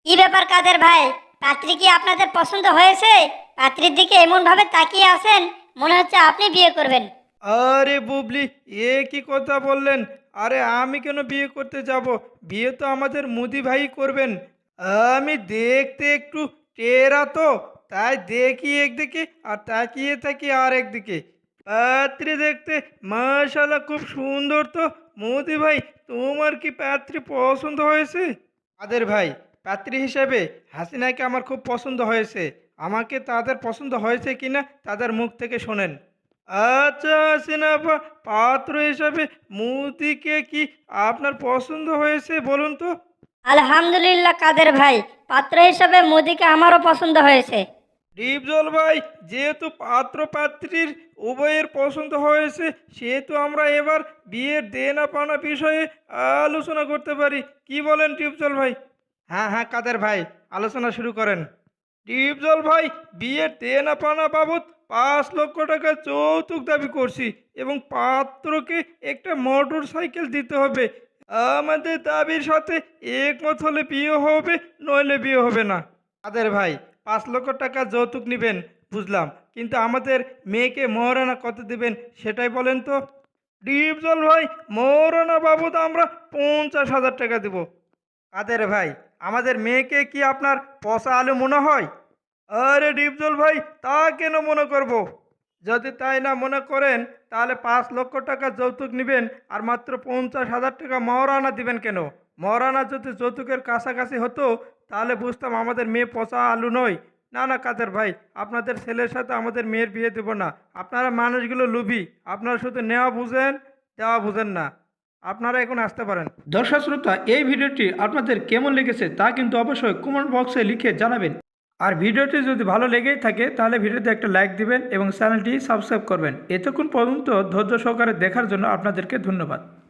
কি ব্যাপার কাদের ভাই, পাত্রী কি আপনাদের পছন্দ হয়েছে? পাত্রীর দিকে এমন ভাবে তাকিয়ে আছেন, মনে হচ্ছে আপনি বিয়ে করবেন। আরে বুবলি, এ কি কথা বললেন? আরে আমি কেন বিয়ে করতে যাব? বিয়ে তো আমাদের মুদি ভাই করবেন। আমি দেখতে একটু টেরা তো, তাই দেখি একদিকে আর তাকিয়ে থাকি আর একদিকে। পাত্রী দেখতে মাশাআল্লাহ খুব সুন্দর তো। মুদি ভাই, তোমার কি পাত্রী পছন্দ হয়েছে? তাদের ভাই, পাত্রী হিসেবে হাসিনাকে আমার খুব পছন্দ হয়েছে। আমাকে তাদের পছন্দ হয়েছে কিনা তাদের মুখ থেকে শোনেন। আচ্ছা হাসিনা আপা, পাত্র হিসাবে মুদিকে কি আপনার পছন্দ হয়েছে বলুন তো? আলহামদুলিল্লাহ কাদের ভাই, পাত্র হিসেবে মোদিকে আমারও পছন্দ হয়েছে। ডিপজল ভাই, যেহেতু পাত্র পাত্রীর উভয়ের পছন্দ হয়েছে, সেহেতু আমরা এবার বিয়ের দেনা পাওনা বিষয়ে আলোচনা করতে পারি। কি বলেন ডিপজল ভাই? হ্যাঁ হ্যাঁ কাদের ভাই, আলোচনা শুরু করেন। ডিপজল ভাই, বিয়ের দেনা পাওনা বাবদ 5 লক্ষ টাকা যৌতুক দাবি করছি এবং পাত্রকে একটা মোটর সাইকেল দিতে হবে। আমাদের দাবির সাথে একমত হলে বিয়ে হবে, নইলে বিয়ে হবে না। কাদের ভাই, 5 লক্ষ টাকা যৌতুক নেবেন বুঝলাম, কিন্তু আমাদের মেয়েকে মহারানা কত দিবেন সেটাই বলেন তো? ডিপজল ভাই, মহারানা বাবদ আমরা 50,000 টাকা দেব। কাদের ভাই, আমাদের মেয়েকে কি আপনার পচা আলু মনে হয়? আরে ডিপজল ভাই, তা কেন মনে করব? যদি তাই না মনে করেন, তাহলে 5 লক্ষ টাকা যৌতুক নেবেন আর মাত্র 50,000 টাকা মহারানা দিবেন কেন? মহারানা যদি যৌতুকের কাছাকাছি হতো, তাহলে বুঝতাম আমাদের মেয়ে পচা আলু নয়। না না কাদের ভাই, আপনাদের ছেলের সাথে আমাদের মেয়ের বিয়ে দেব না। আপনারা মানুষগুলো লুবি, আপনারা শুধু নেওয়া বুঝেন, দেওয়া বুঝেন না। আপনারা এখন আসতে পারেন। দর্শক শ্রোতা, এই ভিডিওটি আপনাদের কেমন লেগেছে তা কিন্তু অবশ্যই কমেন্ট বক্সে লিখে জানাবেন। আর ভিডিওটি যদি ভালো লেগেই থাকে তাহলে ভিডিওতে একটা লাইক দিবেন এবং চ্যানেলটি সাবস্ক্রাইব করবেন। এতক্ষণ পর্যন্ত ধৈর্য সহকারে দেখার জন্য আপনাদেরকে ধন্যবাদ।